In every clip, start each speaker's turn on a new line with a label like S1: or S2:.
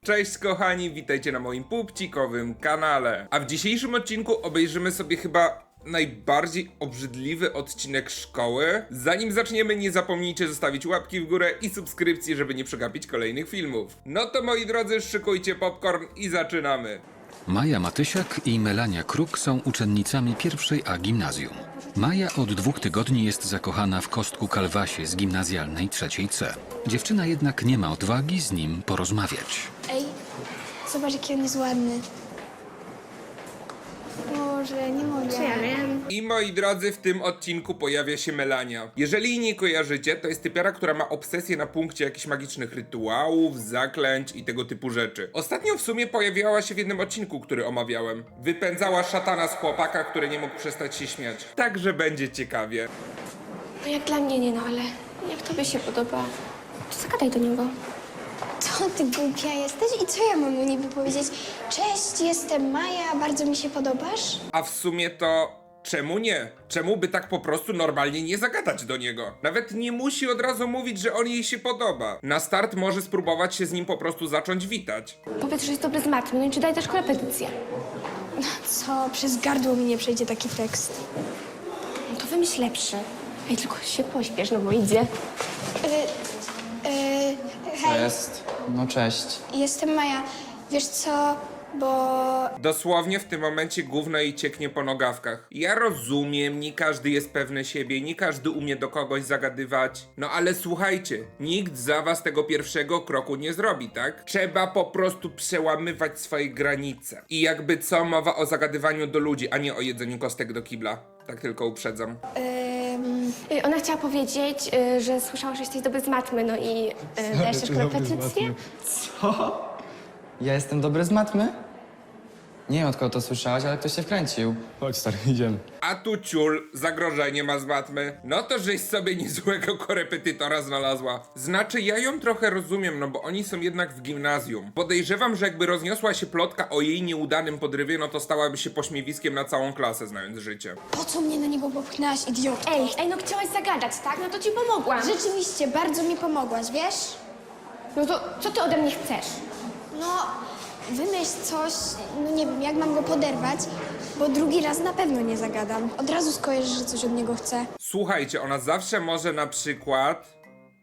S1: Cześć kochani, witajcie na moim pupcikowym kanale. A w dzisiejszym odcinku obejrzymy sobie chyba najbardziej obrzydliwy odcinek szkoły. Zanim zaczniemy, nie zapomnijcie zostawić łapki w górę i subskrypcji, żeby nie przegapić kolejnych filmów. No to moi drodzy, szykujcie popcorn i zaczynamy.
S2: Maja Matysiak i Melania Kruk są uczennicami pierwszej A gimnazjum. Maja od 2 tygodni jest zakochana w Kostku Kalwasie z gimnazjalnej trzeciej C. Dziewczyna jednak nie ma odwagi z nim porozmawiać.
S3: Ej, zobacz jaki on jest ładny. Może, nie mogę.
S4: Ja wiem.
S1: I moi drodzy, w tym odcinku pojawia się Melania. Jeżeli jej nie kojarzycie, to jest typiara, która ma obsesję na punkcie jakichś magicznych rytuałów, zaklęć i tego typu rzeczy. Ostatnio w sumie pojawiała się w jednym odcinku, który omawiałem. Wypędzała szatana z chłopaka, który nie mógł przestać się śmiać. Także będzie ciekawie.
S4: No jak dla mnie nie, no ale jak tobie się podoba, to zagadaj do niego.
S3: Co ty głupia jesteś i co ja mam mu niby powiedzieć? Cześć, jestem Maja, bardzo mi się podobasz?
S1: A w sumie to... czemu nie? Czemu by tak po prostu normalnie nie zagadać do niego? Nawet nie musi od razu mówić, że on jej się podoba. Na start może spróbować się z nim po prostu zacząć witać.
S4: Powiedz, że jest dobry z matmy, no i czy daj też korepetycję.
S3: Co, przez gardło mi nie przejdzie taki tekst.
S4: No to wymyśl lepszy. Ej, tylko się pośpiesz, no bo idzie.
S3: Hej,
S5: Jest. No cześć.
S3: jestem Maja. Wiesz co, bo...
S1: Dosłownie w tym momencie gówno jej cieknie po nogawkach. Ja rozumiem, nie każdy jest pewny siebie, nie każdy umie do kogoś zagadywać. No ale słuchajcie, nikt za was tego pierwszego kroku nie zrobi, tak? Trzeba po prostu przełamywać swoje granice. I jakby co, mowa o zagadywaniu do ludzi, a nie o jedzeniu kostek do kibla. Tak tylko uprzedzam.
S4: Ona chciała powiedzieć, że słyszała, że jesteś dobry z matmy, no i dajesz też korepetycję.
S5: Co? Ja jestem dobry z matmy? Nie wiem, od kogo to słyszałaś, ale ktoś się wkręcił.
S6: Chodź stary, idziemy.
S1: A tu ciul, zagrożenie ma z matmy. No to żeś sobie niezłego korepetytora znalazła. Znaczy ja ją trochę rozumiem, no bo oni są jednak w gimnazjum. Podejrzewam, że jakby rozniosła się plotka o jej nieudanym podrywie, no to stałaby się pośmiewiskiem na całą klasę, znając życie.
S3: Po co mnie na niego popchnęłaś, idiotko?
S4: Ej, no chciałaś zagadać, tak? No to ci pomogłam.
S3: Rzeczywiście, bardzo mi pomogłaś, wiesz?
S4: No to co ty ode mnie chcesz?
S3: No, wymyśl coś, no nie wiem, jak mam go poderwać, bo drugi raz na pewno nie zagadam. Od razu skojarzysz, że coś od niego chcę.
S1: Słuchajcie, ona zawsze może na przykład...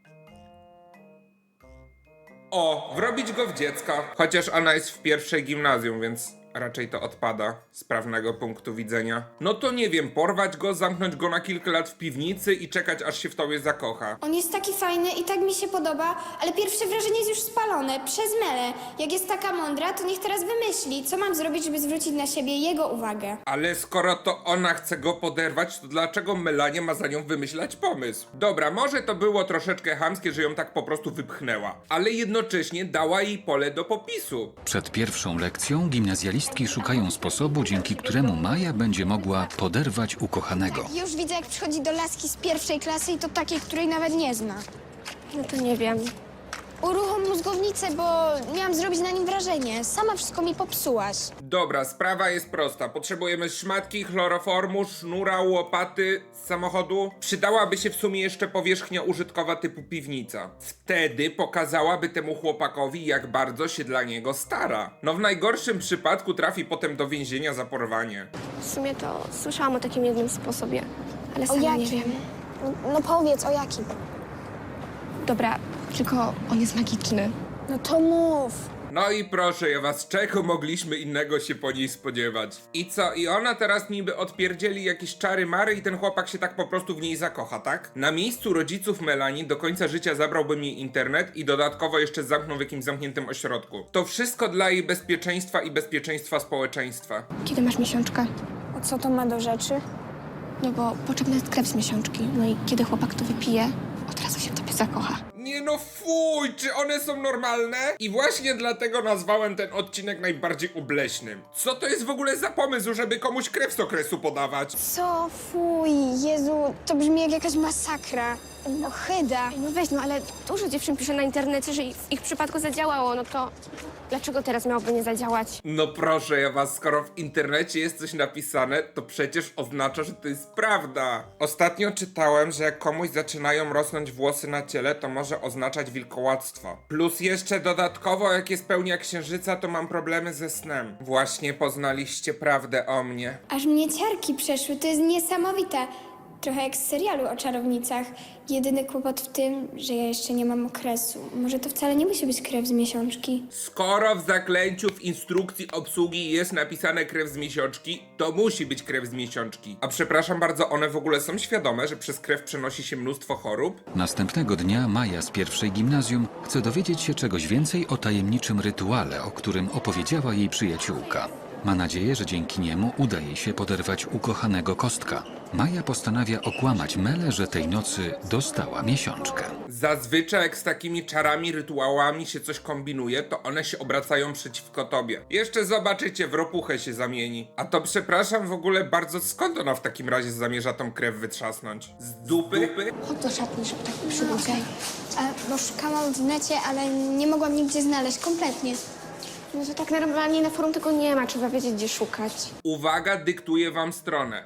S1: O, wrobić go w dziecko. Chociaż ona jest w pierwszej gimnazjum, więc raczej to odpada z prawnego punktu widzenia. No to nie wiem, porwać go, zamknąć go na kilka lat w piwnicy i czekać, aż się w tobie zakocha.
S3: On jest taki fajny i tak mi się podoba, ale pierwsze wrażenie jest już spalone przez Melę. Jak jest taka mądra, to niech teraz wymyśli, co mam zrobić, żeby zwrócić na siebie jego uwagę.
S1: Ale skoro to ona chce go poderwać, to dlaczego Melania ma za nią wymyślać pomysł? Dobra, może to było troszeczkę chamskie, że ją tak po prostu wypchnęła, ale jednocześnie dała jej pole do popisu.
S2: Przed pierwszą lekcją gimnazjalistki szukają sposobu, dzięki któremu Maja będzie mogła poderwać ukochanego.
S3: Już widzę, jak przychodzi do laski z pierwszej klasy i to takiej, której nawet nie zna.
S4: No to nie wiem.
S3: Uruchom mózgownicę, bo miałam zrobić na nim wrażenie. Sama wszystko mi popsułaś.
S1: Dobra, sprawa jest prosta. Potrzebujemy szmatki, chloroformu, sznura, łopaty z samochodu. Przydałaby się w sumie jeszcze powierzchnia użytkowa typu piwnica. Wtedy pokazałaby temu chłopakowi, jak bardzo się dla niego stara. No w najgorszym przypadku trafi potem do więzienia za porwanie.
S4: W sumie to słyszałam o takim jednym sposobie, ale
S3: O
S4: sama nie
S3: jakim?
S4: wiem.
S3: No powiedz, o jakim?
S4: Dobra, tylko on jest magiczny.
S3: No to mów.
S1: No i proszę ja was, czego mogliśmy innego się po niej spodziewać? I co, i ona teraz niby odpierdzieli jakieś czary mary i ten chłopak się tak po prostu w niej zakocha, tak? Na miejscu rodziców Melanii do końca życia zabrałbym jej internet i dodatkowo jeszcze zamknął w jakimś zamkniętym ośrodku. To wszystko dla jej bezpieczeństwa i bezpieczeństwa społeczeństwa.
S4: Kiedy masz miesiączkę?
S3: A co to ma do rzeczy?
S4: No bo potrzebny jest krew z miesiączki. No i kiedy chłopak to wypije, od razu się w tobie zakocha.
S1: Nie no fuj, czy one są normalne? I właśnie dlatego nazwałem ten odcinek najbardziej obleśnym. Co to jest w ogóle za pomysł, żeby komuś krew z okresu podawać?
S3: Co? Fuj, Jezu, to brzmi jak jakaś masakra. No chyba.
S4: No weź, no ale dużo dziewczyn pisze na internecie, że w ich przypadku zadziałało, no to dlaczego teraz miałoby nie zadziałać?
S1: No proszę ja was, skoro w internecie jest coś napisane, to przecież oznacza, że to jest prawda. Ostatnio czytałem, że jak komuś zaczynają rosnąć włosy na ciele, to może oznaczać wilkołactwo. Plus jeszcze dodatkowo, jak jest pełnia księżyca, to mam problemy ze snem. Właśnie poznaliście prawdę o mnie.
S3: Aż mnie ciarki przeszły, to jest niesamowite. Trochę jak z serialu o czarownicach. Jedyny kłopot w tym, że ja jeszcze nie mam okresu. Może to wcale nie musi być krew z miesiączki.
S1: Skoro w zaklęciu w instrukcji obsługi jest napisane krew z miesiączki, to musi być krew z miesiączki. A przepraszam bardzo, one w ogóle są świadome, że przez krew przenosi się mnóstwo chorób?
S2: Następnego dnia Maja z pierwszej gimnazjum chce dowiedzieć się czegoś więcej o tajemniczym rytuale, o którym opowiedziała jej przyjaciółka. Ma nadzieję, że dzięki niemu uda jej się poderwać ukochanego Kostka. Maja postanawia okłamać Melę, że tej nocy dostała miesiączkę.
S1: Zazwyczaj jak z takimi czarami, rytuałami się coś kombinuje, to one się obracają przeciwko tobie. Jeszcze zobaczycie, w ropuchę się zamieni. A to przepraszam w ogóle bardzo, skąd ona w takim razie zamierza tą krew wytrzasnąć? Z dupy?
S4: Chodź do szatni, żeby tak przyjdzie.
S3: Bo szukałam w necie, ale nie mogłam nigdzie znaleźć kompletnie.
S4: No to tak normalnie na forum tego nie ma, trzeba wiedzieć, gdzie szukać.
S1: Uwaga, dyktuję wam stronę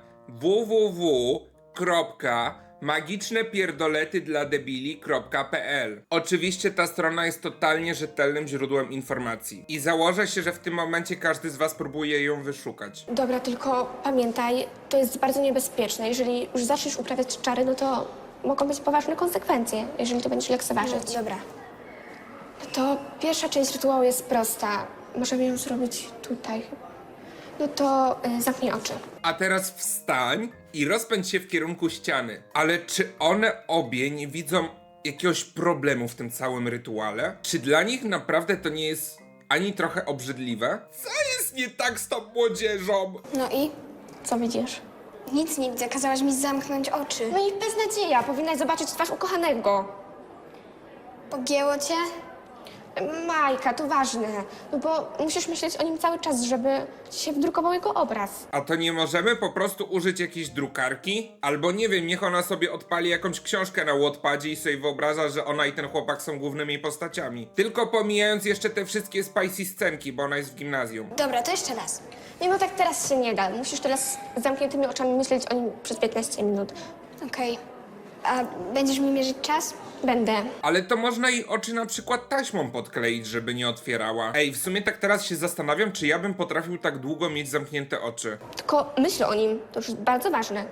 S1: www.magicznepierdolety-dla-debili.pl. Oczywiście ta strona jest totalnie rzetelnym źródłem informacji. I założę się, że w tym momencie każdy z was próbuje ją wyszukać.
S4: Dobra, tylko pamiętaj, to jest bardzo niebezpieczne. Jeżeli już zaczniesz uprawiać czary, no to mogą być poważne konsekwencje, jeżeli to będziesz lekceważyć.
S3: Dobra.
S4: No to pierwsza część rytuału jest prosta. Możemy ją zrobić tutaj. No to zamknij oczy.
S1: A teraz wstań i rozpędź się w kierunku ściany. Ale czy one obie nie widzą jakiegoś problemu w tym całym rytuale? Czy dla nich naprawdę to nie jest ani trochę obrzydliwe? Co jest nie tak z tą młodzieżą?
S3: No i?
S4: Co widzisz?
S3: Nic nie widzę, kazałaś mi zamknąć oczy.
S4: No i beznadzieja, powinnaś zobaczyć twarz ukochanego.
S3: Pogięło cię?
S4: Majka, to ważne, no bo musisz myśleć o nim cały czas, żeby ci się wdrukował jego obraz.
S1: A to nie możemy po prostu użyć jakiejś drukarki? Albo nie wiem, niech ona sobie odpali jakąś książkę na Wattpadzie i sobie wyobraża, że ona i ten chłopak są głównymi postaciami. Tylko pomijając jeszcze te wszystkie spicy scenki, bo ona jest w gimnazjum.
S3: Dobra, to jeszcze raz.
S4: Nie, no tak teraz się nie da. Musisz teraz z zamkniętymi oczami myśleć o nim przez 15 minut.
S3: Okej. A będziesz mi mierzyć czas?
S4: Będę.
S1: Ale to można jej oczy na przykład taśmą podkleić, żeby nie otwierała. Ej, w sumie tak teraz się zastanawiam, czy ja bym potrafił tak długo mieć zamknięte oczy.
S4: Tylko myśl o nim, to już jest bardzo ważne.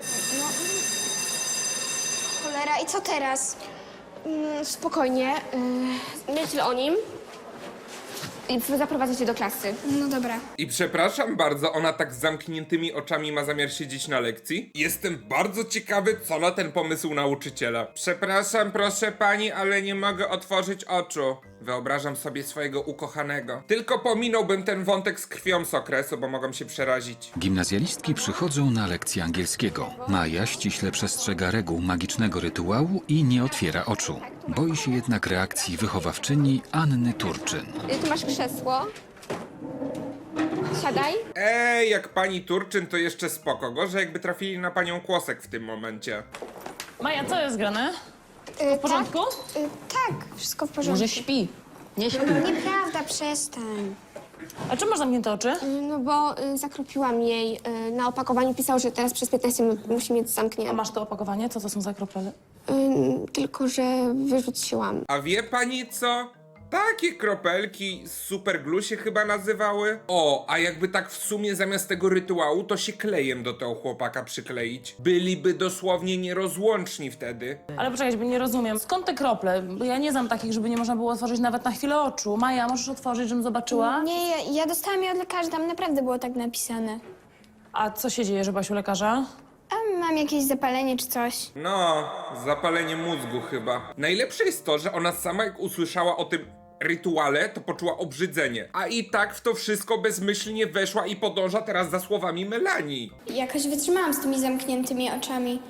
S3: Cholera, i co teraz?
S4: Spokojnie, myśl o nim i zaprowadzę cię do klasy.
S3: No dobra.
S1: I przepraszam bardzo, ona tak z zamkniętymi oczami ma zamiar siedzieć na lekcji? Jestem bardzo ciekawy, co na ten pomysł nauczyciela. Przepraszam, proszę pani, ale nie mogę otworzyć oczu. Wyobrażam sobie swojego ukochanego. Tylko pominąłbym ten wątek z krwią z okresu, bo mogą się przerazić.
S2: Gimnazjalistki przychodzą na lekcję angielskiego. Maja ściśle przestrzega reguł magicznego rytuału i nie otwiera oczu. Boi się jednak reakcji wychowawczyni Anny Turczyn.
S4: Tu masz krzesło. Siadaj.
S1: Ej, jak pani Turczyn, to jeszcze spoko. Gorzej jakby trafili na panią Kłosek w tym momencie.
S6: Maja, co jest grane? W porządku?
S3: Tak, wszystko w porządku.
S6: Może śpi? Nie śpi.
S3: Nieprawda, przestań.
S6: A czemu masz zamknięte oczy?
S4: No bo zakropiłam jej. Na opakowaniu pisał, że teraz przez 15 minut musi mieć
S6: A
S4: zamknięte.
S6: masz to opakowanie? Co to są za krople?
S4: Tylko, że wyrzuciłam.
S1: A wie pani co? Takie kropelki z superglue się chyba nazywały. O, a jakby tak w sumie zamiast tego rytuału, to się klejem do tego chłopaka przykleić. Byliby dosłownie nierozłączni wtedy.
S6: Ale poczekaj, bo nie rozumiem. Skąd te krople? Bo ja nie znam takich, żeby nie można było otworzyć nawet na chwilę oczu. Maja, możesz otworzyć, żebym zobaczyła?
S3: Nie, ja dostałam je od lekarza, tam naprawdę było tak napisane.
S6: A co się dzieje, że byłaś u lekarza?
S3: A mam jakieś zapalenie czy coś?
S1: No, zapalenie mózgu chyba. Najlepsze jest to, że ona sama jak usłyszała o tym rytuale, to poczuła obrzydzenie. A i tak w to wszystko bezmyślnie weszła i podąża teraz za słowami Melanii.
S3: Jakoś wytrzymałam z tymi zamkniętymi oczami.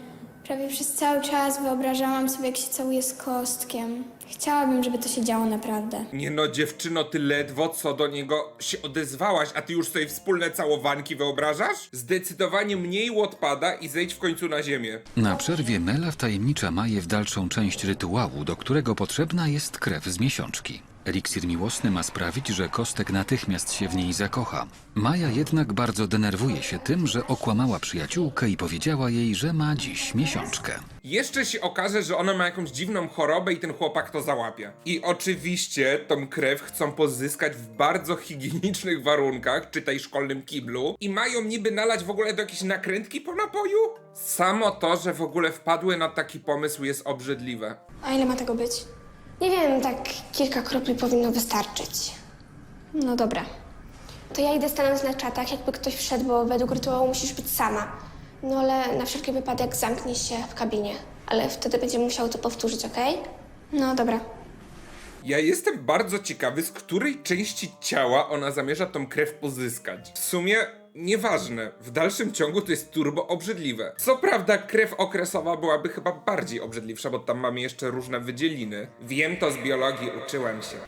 S3: Prawie przez cały czas wyobrażałam sobie, jak się całuję z Kostkiem. Chciałabym, żeby to się działo naprawdę.
S1: Nie no, dziewczyno, ty ledwo co do niego się odezwałaś, a ty już sobie wspólne całowanki wyobrażasz? Zdecydowanie mniej odpada i zejdź w końcu na ziemię.
S2: Na przerwie Mela wtajemnicza Maję w dalszą część rytuału, do którego potrzebna jest krew z miesiączki. Eliksir miłosny ma sprawić, że Kostek natychmiast się w niej zakocha. Maja jednak bardzo denerwuje się tym, że okłamała przyjaciółkę i powiedziała jej, że ma dziś miesiączkę.
S1: Jeszcze się okaże, że ona ma jakąś dziwną chorobę i ten chłopak to załapie. I oczywiście tą krew chcą pozyskać w bardzo higienicznych warunkach, czytaj szkolnym kiblu, i mają niby nalać w ogóle do jakiejś nakrętki po napoju? Samo to, że w ogóle wpadły na taki pomysł, jest obrzydliwe.
S3: A ile ma tego być?
S4: Nie wiem, tak kilka kropli powinno wystarczyć.
S3: No dobra.
S4: To ja idę stanąć na czatach, jakby ktoś wszedł, bo według rytuału musisz być sama. No ale na wszelki wypadek zamknij się w kabinie. Ale wtedy będziemy musiały to powtórzyć, okej?
S3: No dobra.
S1: Ja jestem bardzo ciekawy, z której części ciała ona zamierza tą krew pozyskać. W sumie nieważne, w dalszym ciągu to jest turbo obrzydliwe. Co prawda krew okresowa byłaby chyba bardziej obrzydliwsza, bo tam mamy jeszcze różne wydzieliny. Wiem to z biologii, uczyłem się.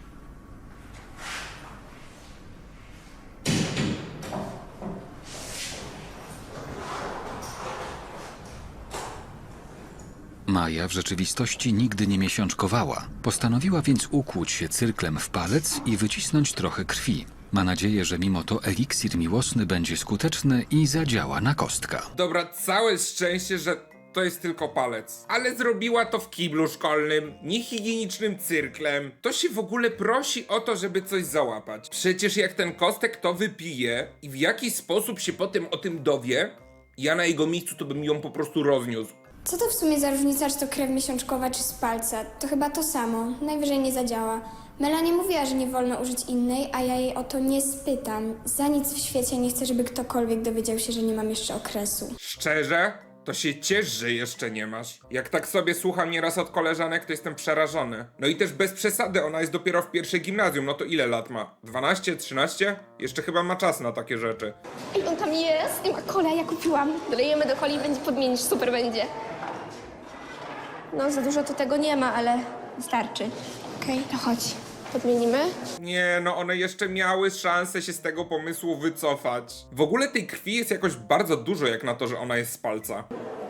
S2: Maja w rzeczywistości nigdy nie miesiączkowała. Postanowiła więc ukłuć się cyrklem w palec i wycisnąć trochę krwi. Ma nadzieję, że mimo to eliksir miłosny będzie skuteczny i zadziała na Kostka.
S1: Dobra, całe szczęście, że to jest tylko palec. Ale zrobiła to w kiblu szkolnym, niehigienicznym cyrklem. To się w ogóle prosi o to, żeby coś załapać. Przecież jak ten Kostek to wypije i w jakiś sposób się potem o tym dowie, ja na jego miejscu to bym ją po prostu rozniósł.
S3: Co to w sumie za różnica, czy to krew miesiączkowa, czy z palca? To chyba to samo. Najwyżej nie zadziała. Mela nie mówiła, że nie wolno użyć innej, a ja jej o to nie spytam. Za nic w świecie nie chcę, żeby ktokolwiek dowiedział się, że nie mam jeszcze okresu.
S1: Szczerze? To się ciesz, że jeszcze nie masz. Jak tak sobie słucham nieraz od koleżanek, to jestem przerażony. No i też bez przesady, ona jest dopiero w pierwszej gimnazjum, no to ile lat ma? 12, 13? Jeszcze chyba ma czas na takie rzeczy.
S4: Ej, on tam jest i ma kolę, ja kupiłam. Dolejemy do coli i będzie podmienić, super będzie. No, za dużo to tego nie ma, ale wystarczy. Okej, to chodź. Podmienimy?
S1: Nie, no one jeszcze miały szansę się z tego pomysłu wycofać. W ogóle tej krwi jest jakoś bardzo dużo, jak na to, że ona jest z palca.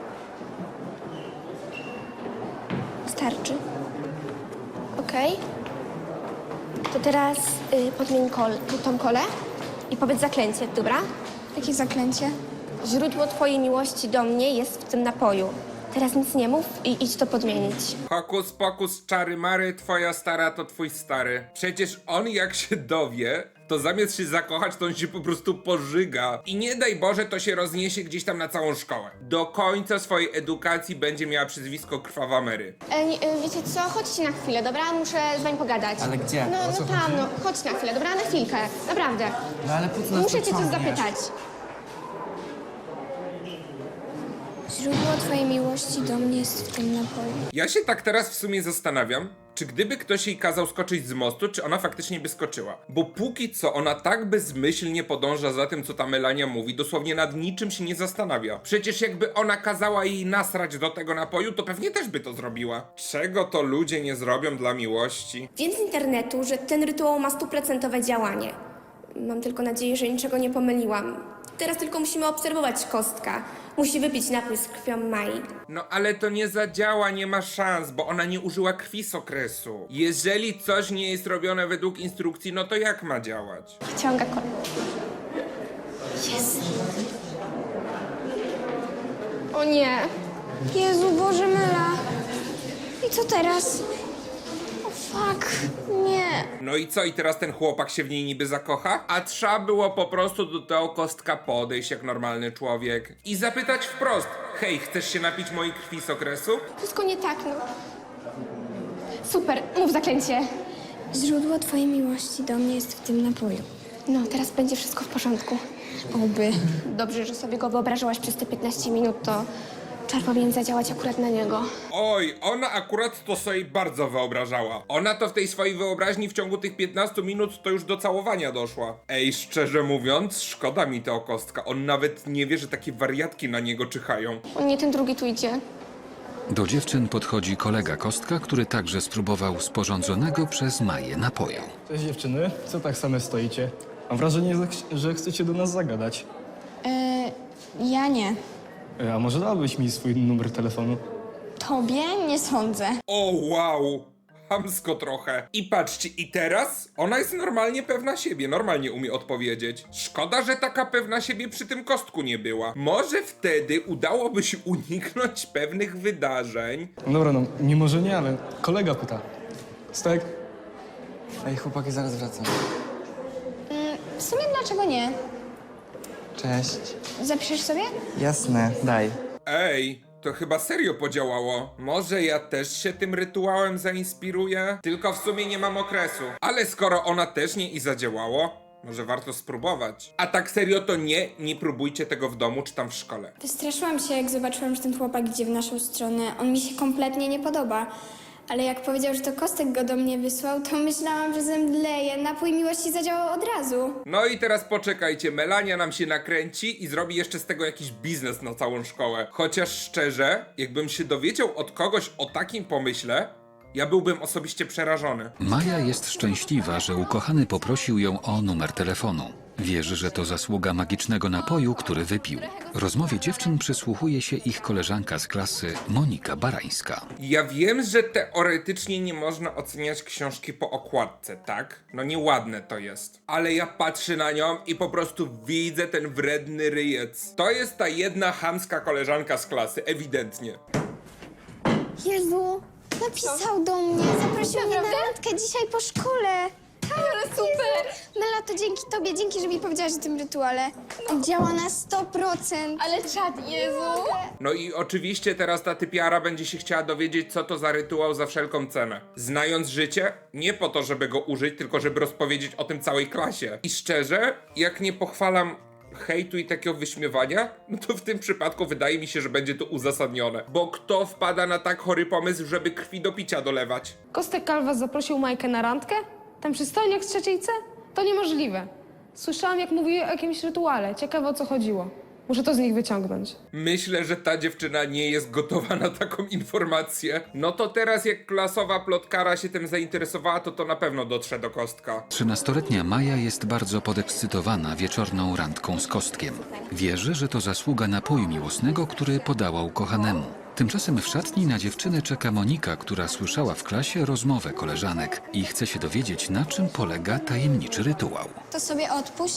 S4: Starczy. Okej. To teraz podmień tą kolę i powiedz zaklęcie, dobra?
S3: Jakie zaklęcie?
S4: Źródło twojej miłości do mnie jest w tym napoju. Teraz nic nie mów i idź to podmienić.
S1: Hokus pokus, czary mary, twoja stara to twój stary. Przecież on jak się dowie, to zamiast się zakochać, to on się po prostu pożyga. I nie daj Boże, to się rozniesie gdzieś tam na całą szkołę. Do końca swojej edukacji będzie miała przezwisko Krwawa Mary.
S4: Wiecie co? Chodźcie na chwilę, dobra? Muszę z wami pogadać.
S5: Ale gdzie?
S4: No,
S5: O co
S4: no tam,
S5: chodzi?
S4: no. Chodź na chwilę, dobra? Na chwilkę. Naprawdę.
S5: No ale po co nas
S4: Muszę cię coś
S5: pociągniesz?
S4: zapytać.
S3: Źródło twojej miłości do mnie jest w tym napoju.
S1: Ja się tak teraz w sumie zastanawiam, czy gdyby ktoś jej kazał skoczyć z mostu, czy ona faktycznie by skoczyła. Bo póki co ona tak bezmyślnie podąża za tym, co ta Melania mówi, dosłownie nad niczym się nie zastanawia. Przecież jakby ona kazała jej nasrać do tego napoju, to pewnie też by to zrobiła. Czego to ludzie nie zrobią dla miłości?
S4: Wiem z internetu, że ten rytuał ma 100% działanie. Mam tylko nadzieję, że niczego nie pomyliłam. Teraz tylko musimy obserwować Kostka. Musi wypić napój z krwią Mai.
S1: No ale to nie zadziała, nie ma szans, bo ona nie użyła krwi z okresu. Jeżeli coś nie jest robione według instrukcji, no to jak ma działać?
S4: Wciąga kolę. Jest. O nie.
S3: Jezu, Boże, Mela. I co teraz? O fuck, nie.
S1: No i co, i teraz ten chłopak się w niej niby zakocha? A trzeba było po prostu do tego Kostka podejść jak normalny człowiek i zapytać wprost: hej, chcesz się napić mojej krwi z okresu?
S4: Wszystko nie tak, no. Super, mów zaklęcie.
S3: Źródło twojej miłości do mnie jest w tym napoju.
S4: No, teraz będzie wszystko w porządku.
S3: Oby.
S4: Dobrze, że sobie go wyobrażałaś przez te 15 minut, to czar powinien zadziałać akurat na niego.
S1: Oj, ona akurat to sobie bardzo wyobrażała. Ona to w tej swojej wyobraźni w ciągu tych 15 minut to już do całowania doszła. Ej, szczerze mówiąc, szkoda mi tego Kostka. On nawet nie wie, że takie wariatki na niego czyhają.
S4: O nie, ten drugi tu idzie.
S2: Do dziewczyn podchodzi kolega Kostka, który także spróbował sporządzonego przez Maję napoju.
S7: Cześć dziewczyny, co tak same stoicie? Mam wrażenie, że chcecie do nas zagadać.
S3: Ja nie.
S7: A może dałabyś mi swój numer telefonu?
S3: Tobie? Nie sądzę.
S1: O wow! Chamsko trochę. I patrzcie, i teraz ona jest normalnie pewna siebie, normalnie umie odpowiedzieć. Szkoda, że taka pewna siebie przy tym Kostku nie była. Może wtedy udałoby się uniknąć pewnych wydarzeń.
S7: No dobra, no nie może nie, ale kolega pyta. Stek?
S5: Ej, chłopaki, zaraz wracam.
S3: W sumie dlaczego nie?
S5: Cześć.
S3: Zapiszesz sobie?
S5: Jasne, daj.
S1: Ej, to chyba serio podziałało. Może ja też się tym rytuałem zainspiruję? Tylko w sumie nie mam okresu. Ale skoro ona też nie i zadziałało, może warto spróbować. A tak serio to nie próbujcie tego w domu czy tam w szkole.
S3: Wystraszyłam się, jak zobaczyłam, że ten chłopak idzie w naszą stronę. On mi się kompletnie nie podoba. Ale jak powiedział, że to Kostek go do mnie wysłał, to myślałam, że zemdleję. Napój miłości zadziałał od razu.
S1: No i teraz poczekajcie, Melania nam się nakręci i zrobi jeszcze z tego jakiś biznes na całą szkołę. Chociaż szczerze, jakbym się dowiedział od kogoś o takim pomyśle, ja byłbym osobiście przerażony.
S2: Maja jest szczęśliwa, że ukochany poprosił ją o numer telefonu. Wierzy, że to zasługa magicznego napoju, który wypił. Rozmowie dziewczyn przysłuchuje się ich koleżanka z klasy Monika Barańska.
S1: Ja wiem, że teoretycznie nie można oceniać książki po okładce, tak? No nieładne to jest. Ale ja patrzę na nią i po prostu widzę ten wredny ryjec. To jest ta jedna chamska koleżanka z klasy, ewidentnie.
S3: Jezu, napisał do mnie. Zaprosił mnie na randkę dzisiaj po szkole. Tak,
S4: Ale super!
S3: Mela, to dzięki tobie, dzięki, że mi powiedziałaś o tym rytuale. Działa na 100%.
S4: Ale czad, Jezu!
S1: No i oczywiście teraz ta typiara będzie się chciała dowiedzieć, co to za rytuał za wszelką cenę. Znając życie, nie po to, żeby go użyć, tylko żeby rozpowiedzieć o tym całej klasie. I szczerze, jak nie pochwalam hejtu i takiego wyśmiewania, no to w tym przypadku wydaje mi się, że będzie to uzasadnione. Bo kto wpada na tak chory pomysł, żeby krwi do picia dolewać?
S8: Kostek Kalwas zaprosił Majkę na randkę? Ten przystojniak z trzeciej C? To niemożliwe. Słyszałam, jak mówili o jakimś rytuale. Ciekawe, o co chodziło. Muszę to z nich wyciągnąć.
S1: Myślę, że ta dziewczyna nie jest gotowa na taką informację. No to teraz jak klasowa plotkara się tym zainteresowała, to na pewno dotrze do Kostka.
S2: 13-letnia Maja jest bardzo podekscytowana wieczorną randką z Kostkiem. Wierzy, że to zasługa napoju miłosnego, który podała ukochanemu. Tymczasem w szatni na dziewczynę czeka Monika, która słyszała w klasie rozmowę koleżanek i chce się dowiedzieć, na czym polega tajemniczy rytuał.
S3: To sobie odpuść.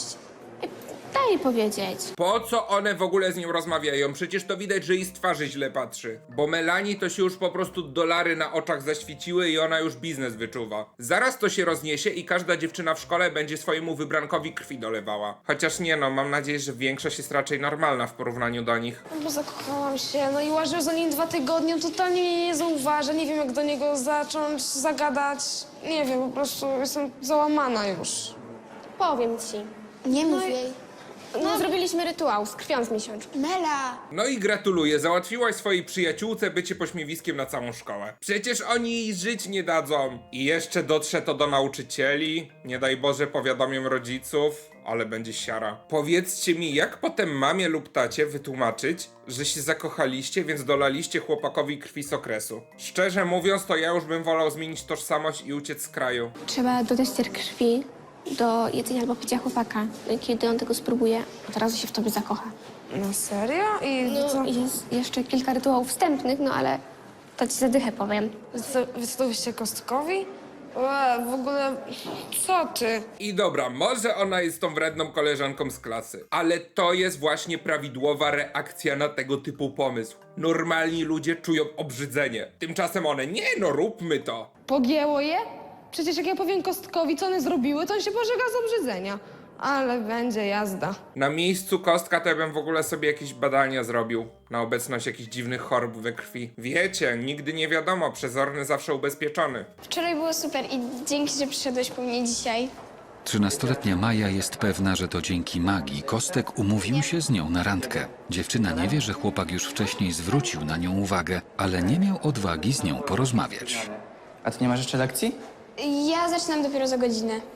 S4: Daj jej powiedzieć.
S1: Po co one w ogóle z nią rozmawiają? Przecież to widać, że jej z twarzy źle patrzy. Bo Melanii to się już po prostu dolary na oczach zaświeciły i ona już biznes wyczuwa. Zaraz to się rozniesie i każda dziewczyna w szkole będzie swojemu wybrankowi krwi dolewała. Chociaż nie no, mam nadzieję, że większość jest raczej normalna w porównaniu do nich.
S8: No bo zakochałam się, no i łażę za nim 2 tygodnie, totalnie mnie nie zauważa, nie wiem jak do niego zacząć, zagadać. Nie wiem, po prostu jestem załamana już.
S4: Powiem ci.
S3: Nie mów jej.
S4: No, zrobiliśmy rytuał z krwią z miesiączki.
S3: Mela.
S1: No i gratuluję, załatwiłaś swojej przyjaciółce bycie pośmiewiskiem na całą szkołę. Przecież oni jej żyć nie dadzą. I jeszcze dotrze to do nauczycieli, nie daj Boże powiadomią rodziców, ale będzie siara. Powiedzcie mi, jak potem mamie lub tacie wytłumaczyć, że się zakochaliście, więc dolaliście chłopakowi krwi z okresu. Szczerze mówiąc, to ja już bym wolał zmienić tożsamość i uciec z kraju.
S4: Trzeba dodać ter krwi do jedzenia albo picia chłopaka. Kiedy on tego spróbuje, od razu się w tobie zakocha.
S8: Na serio? I co?
S4: No, jest jeszcze kilka rytuałów wstępnych, no ale to ci zadychę powiem.
S8: Wystawiście Kostkowi? W ogóle, co ty?
S1: I dobra, może ona jest tą wredną koleżanką z klasy, ale to jest właśnie prawidłowa reakcja na tego typu pomysł. Normalni ludzie czują obrzydzenie. Tymczasem one, nie no, róbmy to.
S8: Pogięło je? Przecież jak ja powiem Kostkowi, co one zrobiły, to on się pożega z obrzydzenia. Ale będzie jazda.
S1: Na miejscu Kostka to ja bym w ogóle sobie jakieś badania zrobił na obecność jakichś dziwnych chorób we krwi. Wiecie, nigdy nie wiadomo, przezorny zawsze ubezpieczony.
S3: Wczoraj było super i dzięki, że przyszedłeś po mnie dzisiaj.
S2: 13-letnia Maja jest pewna, że to dzięki magii Kostek umówił się z nią na randkę. Dziewczyna nie wie, że chłopak już wcześniej zwrócił na nią uwagę, ale nie miał odwagi z nią porozmawiać.
S5: A ty nie masz jeszcze lekcji?
S3: Ja zaczynam dopiero za godzinę.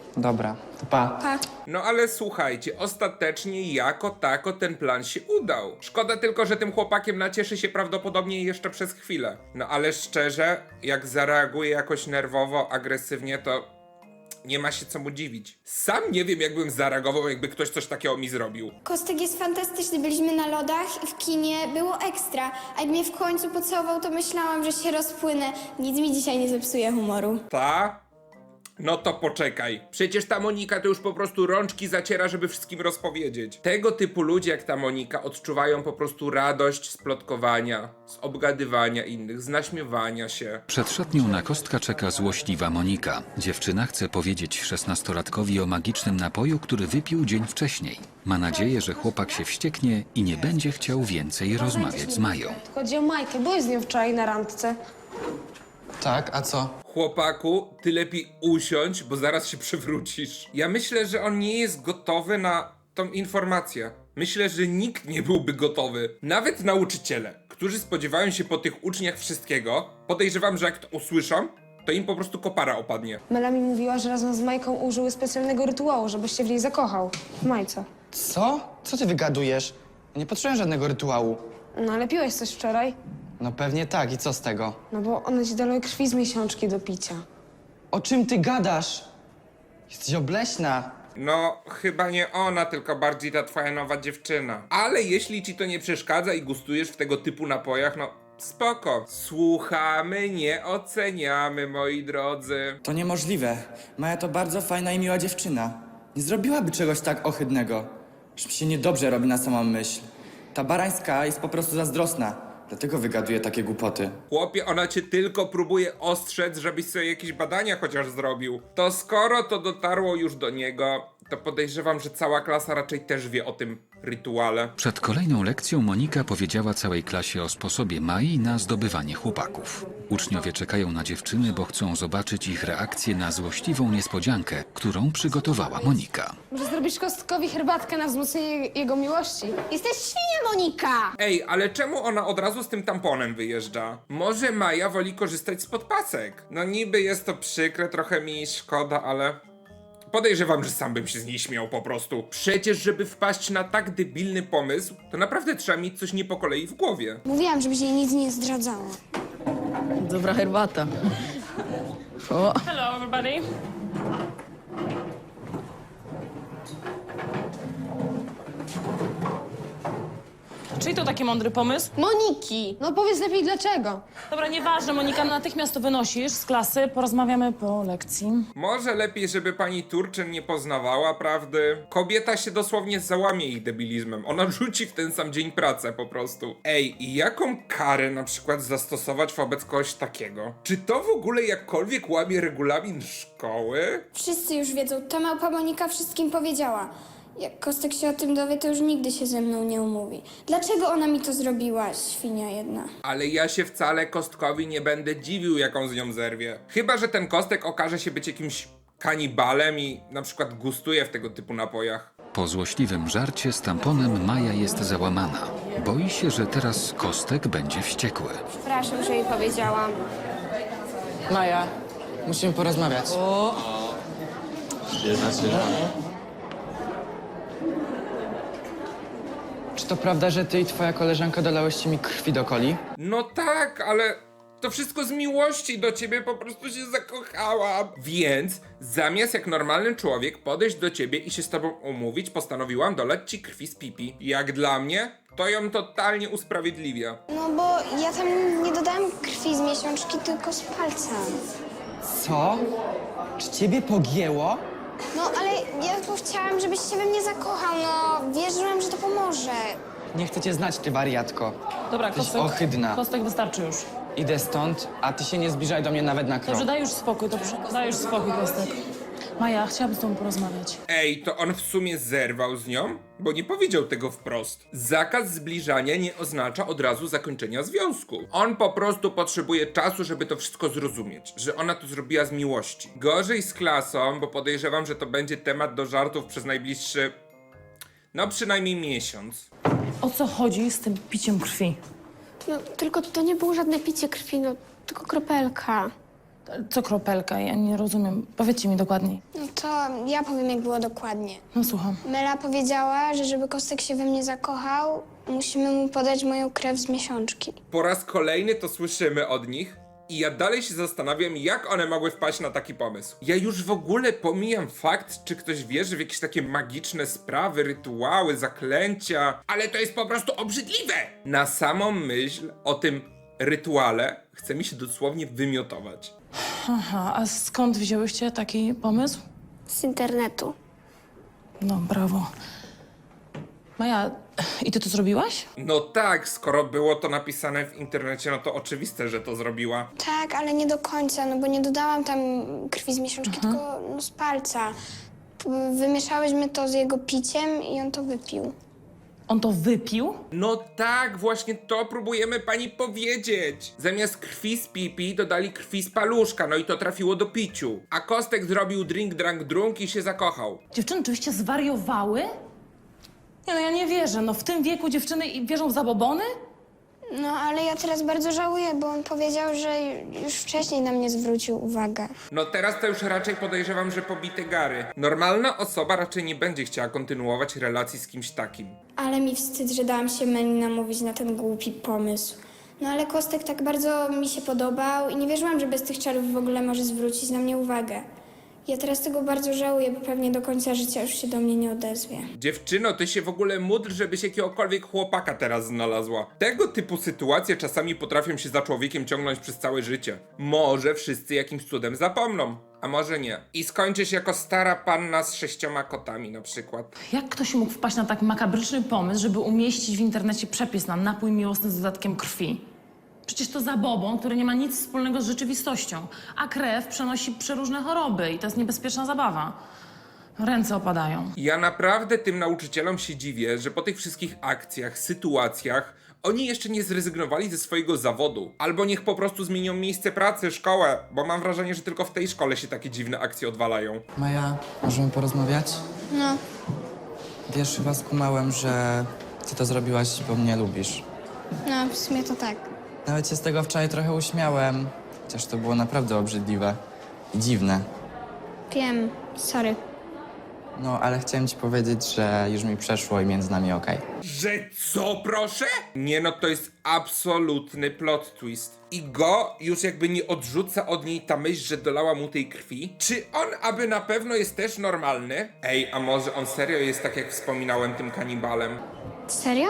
S5: Dobra, to pa.
S1: No ale słuchajcie, ostatecznie jako tako ten plan się udał. Szkoda tylko, że tym chłopakiem nacieszy się prawdopodobnie jeszcze przez chwilę. No ale szczerze, jak zareaguje jakoś nerwowo, agresywnie, to nie ma się co mu dziwić. Sam nie wiem, jakbym zareagował, jakby ktoś coś takiego mi zrobił.
S3: Kostek jest fantastyczny, byliśmy na lodach i w kinie było ekstra. A jak mnie w końcu pocałował, to myślałam, że się rozpłynę. Nic mi dzisiaj nie zepsuje humoru.
S1: Ta? No to poczekaj. Przecież ta Monika to już po prostu rączki zaciera, żeby wszystkim rozpowiedzieć. Tego typu ludzie jak ta Monika odczuwają po prostu radość z plotkowania, z obgadywania innych, z naśmiewania się.
S2: Przed szatnią na Kostka czeka złośliwa Monika. Dziewczyna chce powiedzieć 16-latkowi o magicznym napoju, który wypił dzień wcześniej. Ma nadzieję, że chłopak się wścieknie i nie będzie chciał więcej rozmawiać z Mają.
S8: Chodzi o Majkę, byłeś z nią wczoraj na randce.
S5: Tak, a co?
S1: Chłopaku, ty lepiej usiądź, bo zaraz się przewrócisz. Ja myślę, że on nie jest gotowy na tą informację. Myślę, że nikt nie byłby gotowy. Nawet nauczyciele, którzy spodziewają się po tych uczniach wszystkiego, podejrzewam, że jak to usłyszą, to im po prostu kopara opadnie.
S8: Mela mi mówiła, że razem z Majką użyły specjalnego rytuału, żebyś się w niej zakochał. W Majce.
S5: Co? Co ty wygadujesz? Ja nie potrzebuję żadnego rytuału.
S8: No ale piłeś coś wczoraj?
S5: No pewnie tak, i co z tego?
S8: No bo one ci dały krwi z miesiączki do picia.
S5: O czym ty gadasz? Jesteś obleśna.
S1: No, chyba nie ona, tylko bardziej ta twoja nowa dziewczyna. Ale jeśli ci to nie przeszkadza i gustujesz w tego typu napojach, no spoko. Słuchamy, nie oceniamy, moi drodzy.
S9: To niemożliwe. Maja to bardzo fajna i miła dziewczyna. Nie zrobiłaby czegoś tak ohydnego. Już mi się niedobrze robi na samą myśl. Ta Barańska jest po prostu zazdrosna. Dlatego wygaduje takie głupoty.
S1: Chłopie, ona cię tylko próbuje ostrzec, żebyś sobie jakieś badania chociaż zrobił. To skoro to dotarło już do niego, to podejrzewam, że cała klasa raczej też wie o tym rytuale.
S2: Przed kolejną lekcją Monika powiedziała całej klasie o sposobie Mai na zdobywanie chłopaków. Uczniowie czekają na dziewczyny, bo chcą zobaczyć ich reakcję na złośliwą niespodziankę, którą przygotowała Monika.
S8: Może zrobisz Kostkowi herbatkę na wzmocnienie jego miłości?
S4: Jesteś świnia, Monika!
S1: Ej, ale czemu ona od razu z tym tamponem wyjeżdża? Może Maja woli korzystać z podpasek? No niby jest to przykre, trochę mi szkoda, ale... Podejrzewam, że sam bym się z niej śmiał po prostu. Przecież, żeby wpaść na tak debilny pomysł, to naprawdę trzeba mieć coś nie po kolei w głowie.
S3: Mówiłam, żebyś jej nic nie zdradzała.
S10: Dobra herbata. O,
S6: Hello, everybody. Czyli to taki mądry pomysł?
S4: Moniki!
S8: No powiedz lepiej dlaczego.
S6: Dobra, nieważne, Monika, natychmiast to wynosisz z klasy, porozmawiamy po lekcji.
S1: Może lepiej, żeby pani Turczyn nie poznawała prawdy. Kobieta się dosłownie załamie ich debilizmem. Ona rzuci w ten sam dzień pracę po prostu. Ej, i jaką karę na przykład zastosować wobec kogoś takiego? Czy to w ogóle jakkolwiek łamie regulamin szkoły?
S3: Wszyscy już wiedzą, ta małpa Monika wszystkim powiedziała. Jak Kostek się o tym dowie, to już nigdy się ze mną nie umówi. Dlaczego ona mi to zrobiła, świnia jedna?
S1: Ale ja się wcale Kostkowi nie będę dziwił, jaką z nią zerwie. Chyba że ten Kostek okaże się być jakimś kanibalem i na przykład gustuje w tego typu napojach.
S2: Po złośliwym żarcie z tamponem Maja jest załamana. Boi się, że teraz Kostek będzie wściekły.
S3: Przepraszam, że jej powiedziałam.
S5: Maja, musimy porozmawiać. Czy to prawda, że ty i twoja koleżanka dolałyście mi krwi do coli?
S1: No tak, ale to wszystko z miłości do ciebie, po prostu się zakochałam. Więc zamiast jak normalny człowiek podejść do ciebie i się z tobą umówić, postanowiłam dolać ci krwi z pipi. Jak dla mnie, to ją totalnie usprawiedliwia.
S3: No bo ja tam nie dodałam krwi z miesiączki, tylko z palca.
S9: Co? Czy ciebie pogięło?
S3: No ale ja tylko chciałam, żebyś się we mnie zakochał, no. Wierzyłam, że to pomoże.
S5: Nie chcę cię znać, ty wariatko.
S6: Dobra,
S5: Jesteś
S6: Kostek.
S5: ohydna.
S6: Kostek, wystarczy już.
S5: Idę stąd, a ty się nie zbliżaj do mnie nawet na krok.
S6: Dobrze, daj już spokój, dobrze. Daj już spokój, Kostek. Maja, chciałabym z tobą porozmawiać.
S1: Ej, to on w sumie zerwał z nią? Bo nie powiedział tego wprost. Zakaz zbliżania nie oznacza od razu zakończenia związku. On po prostu potrzebuje czasu, żeby to wszystko zrozumieć. Że ona to zrobiła z miłości. Gorzej z klasą, bo podejrzewam, że to będzie temat do żartów przez najbliższy... no przynajmniej miesiąc.
S6: O co chodzi z tym piciem krwi?
S4: No, tylko to nie było żadne picie krwi, no, tylko kropelka.
S6: Co kropelka? Ja nie rozumiem. Powiedzcie mi dokładniej.
S3: No to ja powiem, jak było dokładnie.
S6: No słucham.
S3: Mela powiedziała, że żeby Kostek się we mnie zakochał, musimy mu podać moją krew z miesiączki.
S1: Po raz kolejny to słyszymy od nich i ja dalej się zastanawiam, jak one mogły wpaść na taki pomysł. Ja już w ogóle pomijam fakt, czy ktoś wierzy w jakieś takie magiczne sprawy, rytuały, zaklęcia, ale to jest po prostu obrzydliwe! Na samą myśl o tym rytuale chce mi się dosłownie wymiotować.
S6: Aha, a skąd wzięłyście taki pomysł?
S3: Z internetu.
S6: No, brawo. Maja, i ty to zrobiłaś?
S1: No tak, skoro było to napisane w internecie, no to oczywiste, że to zrobiła.
S3: Tak, ale nie do końca, no bo nie dodałam tam krwi z miesiączki, tylko no, z palca. Wymieszałyśmy to z jego piciem i on to wypił.
S6: On to wypił?
S1: No tak, właśnie to próbujemy pani powiedzieć. Zamiast krwi z pipi dodali krwi z paluszka, no i to trafiło do piciu. A Kostek zrobił drink, drunk, drunk i się zakochał.
S6: Dziewczyny oczywiście zwariowały? Nie no, ja nie wierzę. No w tym wieku dziewczyny wierzą w zabobony?
S3: No, ale ja teraz bardzo żałuję, bo on powiedział, że już wcześniej na mnie zwrócił uwagę.
S1: No teraz to już raczej podejrzewam, że pobite gary. Normalna osoba raczej nie będzie chciała kontynuować relacji z kimś takim.
S3: Ale mi wstyd, że dałam się Meli namówić na ten głupi pomysł. No ale Kostek tak bardzo mi się podobał i nie wierzyłam, że bez tych czarów w ogóle może zwrócić na mnie uwagę. Ja teraz tego bardzo żałuję, bo pewnie do końca życia już się do mnie nie odezwie.
S1: Dziewczyno, ty się w ogóle módl, żebyś jakiegokolwiek chłopaka teraz znalazła. Tego typu sytuacje czasami potrafią się za człowiekiem ciągnąć przez całe życie. Może wszyscy jakimś cudem zapomną, a może nie. I skończysz jako stara panna z 6 kotami na przykład.
S6: Jak ktoś mógł wpaść na tak makabryczny pomysł, żeby umieścić w internecie przepis na napój miłosny z dodatkiem krwi? Przecież to zabobon, który nie ma nic wspólnego z rzeczywistością, a krew przenosi przeróżne choroby i to jest niebezpieczna zabawa. Ręce opadają.
S1: Ja naprawdę tym nauczycielom się dziwię, że po tych wszystkich akcjach, sytuacjach oni jeszcze nie zrezygnowali ze swojego zawodu. Albo niech po prostu zmienią miejsce pracy, szkołę, bo mam wrażenie, że tylko w tej szkole się takie dziwne akcje odwalają.
S5: Maja, możemy porozmawiać?
S3: No,
S5: Wiesz, chyba skumałem, że ty to zrobiłaś, bo mnie lubisz.
S3: no w sumie to tak.
S5: Nawet się z tego wczoraj trochę uśmiałem, chociaż to było naprawdę obrzydliwe i dziwne.
S3: Wiem, sorry.
S5: No, ale chciałem ci powiedzieć, że już mi przeszło i między nami okej.
S1: Że co, proszę? Nie no, to jest absolutny plot twist. I go już jakby nie odrzuca od niej ta myśl, że dolała mu tej krwi. Czy on aby na pewno jest też normalny? Ej, a może on serio jest tak jak wspominałem tym kanibalem?
S3: Serio?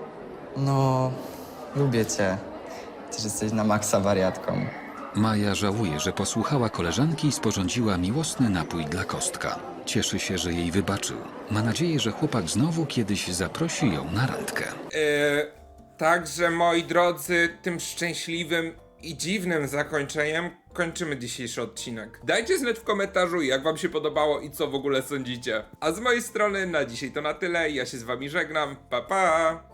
S5: No, lubię cię. Też jesteś na maksa wariatką.
S2: Maja żałuje, że posłuchała koleżanki i sporządziła miłosny napój dla Kostka. Cieszy się, że jej wybaczył. Ma nadzieję, że chłopak znowu kiedyś zaprosi ją na randkę.
S1: Także moi drodzy, tym szczęśliwym i dziwnym zakończeniem kończymy dzisiejszy odcinek. Dajcie znać w komentarzu, jak wam się podobało i co w ogóle sądzicie. A z mojej strony na dzisiaj to na tyle. Ja się z wami żegnam. Pa pa!